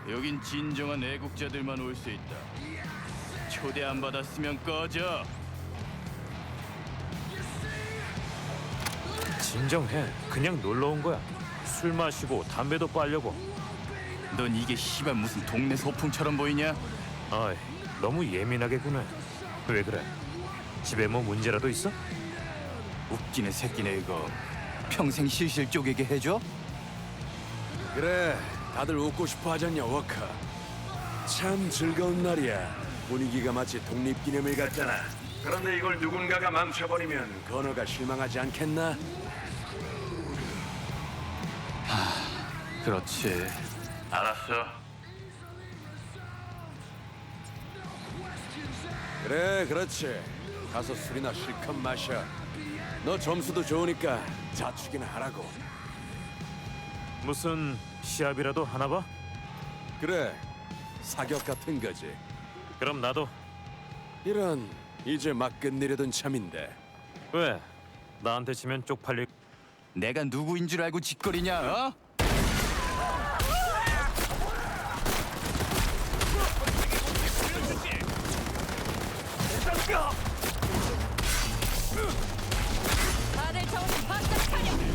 여긴 진정한 애국자들만 올 수 있다. 초대 안 받았으면 꺼져. 진정해. 그냥 놀러 온 거야. 술 마시고 담배도 빨려고. 넌 이게 씨발 무슨 동네 소풍처럼 보이냐? 아이, 너무 예민하게 구네. 왜 그래? 집에 뭐 문제라도 있어? 웃기네 새끼네 이거. 평생 실실 쪼개게 해줘? 그래, 다들 웃고 싶어 하잖냐, 워커. 참 즐거운 날이야. 분위기가 마치 독립기념일 같잖아. 그런데 이걸 누군가가 망쳐버리면 건어가 실망하지 않겠나? 그렇지. 알았어. 그래, 그렇지. 가서 술이나 실컷 마셔. 너 점수도 좋으니까 자축이나 하라고. 무슨 시합이라도 하나 봐? 그래, 사격 같은 거지. 그럼 나도. 이런, 이제 막 끝내려던 참인데. 왜? 나한테 치면 쪽팔릴. 내가 누구인 줄 알고 짓거리냐? 어? 다들 정신 바짝 차려.